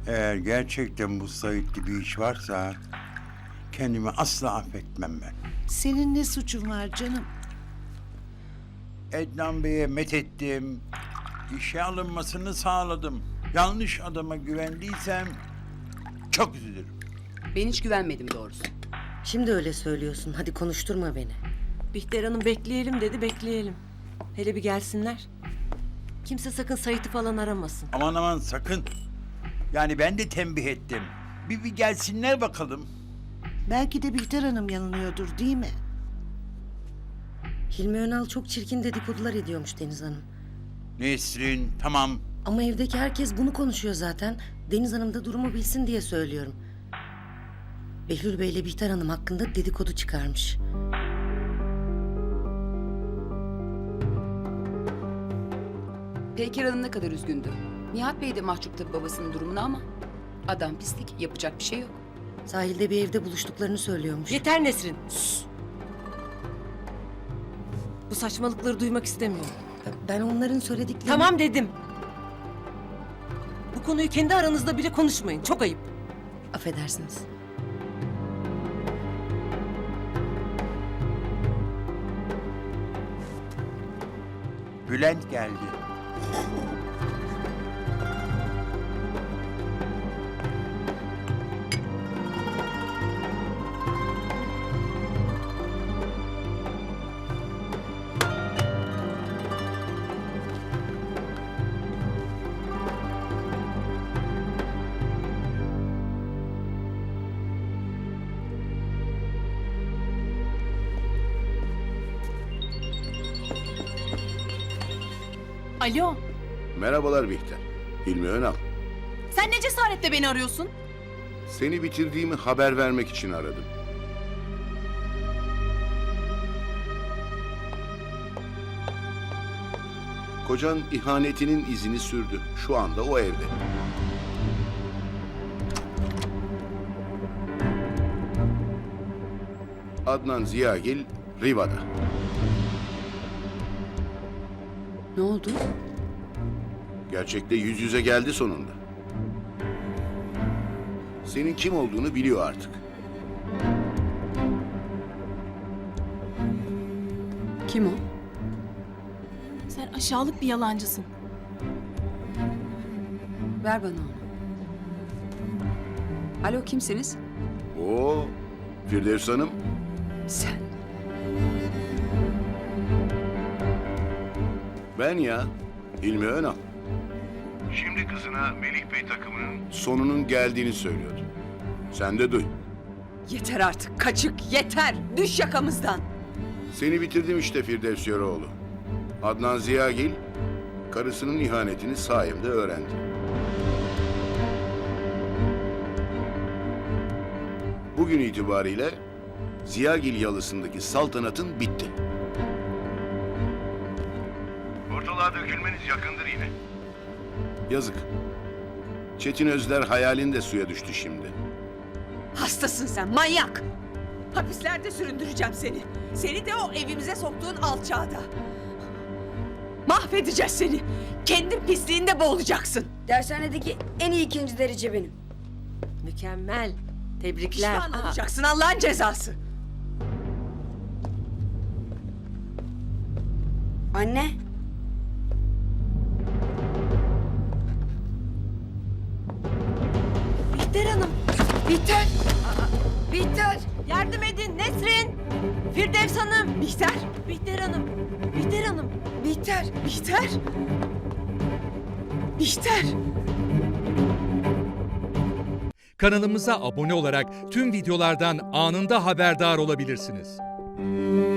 Eğer gerçekten bu Sait'li bir iş varsa kendimi asla affetmem ben. Senin ne suçun var canım? Ednan Bey'e methettim. İşe alınmasını sağladım. Yanlış adama güvendiysem çok üzülürüm. Ben hiç güvenmedim doğrusu. Şimdi öyle söylüyorsun. Hadi konuşturma beni. Bihter Hanım bekleyelim dedi, bekleyelim. Hele bir gelsinler. Kimse sakın Sait'i falan aramasın. Aman aman sakın. Yani ben de tembih ettim. Bir gelsinler bakalım. Belki de Bihter Hanım yanılıyordur değil mi? Hilmi Önal çok çirkin dedikodular ediyormuş Deniz Hanım. Nesrin tamam. Ama evdeki herkes bunu konuşuyor zaten. Deniz Hanım da durumu bilsin diye söylüyorum. Behlül Bey ile Bihter Hanım hakkında dedikodu çıkarmış. Peyker Hanım ne kadar üzgündü. Nihat Bey de mahcup tabii babasının durumuna ama... Adam pislik, yapacak bir şey yok. Sahilde bir evde buluştuklarını söylüyormuş. Yeter Nesrin. Sus. Bu saçmalıkları duymak istemiyorum. Ben onların söylediklerini... Tamam dedim. Bu konuyu kendi aranızda bile konuşmayın. Çok ayıp. Affedersiniz. Bülent geldi. Alo, Merhabalar Bihter. Hilmi Önal. sen ne cesaretle beni arıyorsun? Seni bitirdiğimi haber vermek için aradım. Kocan ihanetinin izini sürdü. Şu anda o evde. Adnan Ziyagil Riva'da. Ne oldu? Gerçekle yüz yüze geldi sonunda. Senin kim olduğunu biliyor artık. Kim o? Sen aşağılık bir yalancısın. Ver bana onu. Alo, kimsiniz? Oo, Firdevs Hanım. Sen. Ben ya, Hilmi Önal. Şimdi kızına Melih Bey takımının sonunun geldiğini söylüyordu. Sen de duy. Yeter artık kaçık yeter. Düş yakamızdan. Seni bitirdim işte Firdevs Yöreoğlu. Adnan Ziyagil, karısının ihanetini sayemde öğrendi. Bugün itibariyle Ziyagil yalısındaki saltanatın bitti. Ortalığa dökülmeniz yakındır yine. Yazık. Çetin Özler hayalin de suya düştü şimdi. Hastasın sen manyak. Hapislerde süründüreceğim seni. Seni de o evimize soktuğun alçağda. Mahvedeceğiz seni. Kendin pisliğinde boğulacaksın. Dershanedeki en iyi ikinci derece benim. Mükemmel. Tebrikler. Pişman olacaksın Allah'ın cezası. Anne. Bihter Hanım. Bihter. Bihter. Yardım edin Nesrin. Firdevs Hanım. Bihter. Bihter Hanım. Bihter Hanım. Bihter. Bihter. Bihter. Kanalımıza abone olarak tüm videolardan anında haberdar olabilirsiniz.